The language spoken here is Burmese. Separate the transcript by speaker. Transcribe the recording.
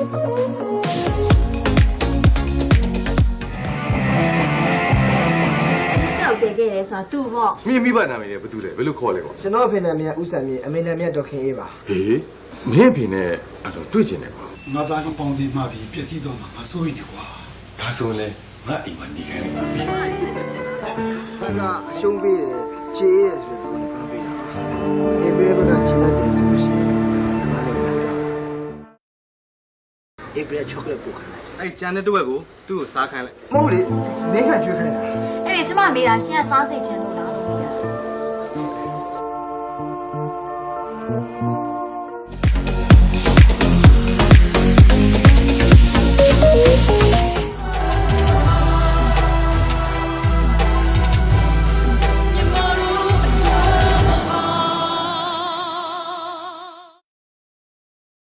Speaker 1: 给给的啥都好。
Speaker 2: မိဘနာမည်လည်းဘာတူလဲဘယ်လိုခေါ်လဲကွာ
Speaker 3: ကျွန်တော်အဖေနာမည်ဦးစံမြင့်အမေနာမည်ဒေါက်ခင်အေးပါ
Speaker 2: ဟေးမင်းအဖေနဲ့အဲ့တော့တွေ့ကျင်တယ်ကွာ
Speaker 4: ငါသားကပေါင်းတင်မှပြီးပြည့်စည်တော့မှာငါစိုးရိမ်နေကွာ
Speaker 2: ဒါဆိုရင်လည်းငါအိမ်မှာနေခိုင်းလိုက်ပါပြီ
Speaker 3: သူကအရှုံးပေးတယ်ခြေရဲဆိုတဲ့သဘောနဲ့ပေးတာဒီဘေးကခြေလက်တယ်ဆိုလို့ရှိရင်ကျွန်တော်လည်းလိုက်တာဒီဘေးချောကလက်ပို့ခိုင်းလိုက်
Speaker 5: အဲ့ကျန်တဲ့တစ်ဝက်ကိုသူ့ကိုစားခိုင်းလိုက်
Speaker 3: မဟုတ်လေနေခန့်ကျွေးခိုင်းတာ
Speaker 1: 哎，这嘛没啦，现在啥事情都拿了。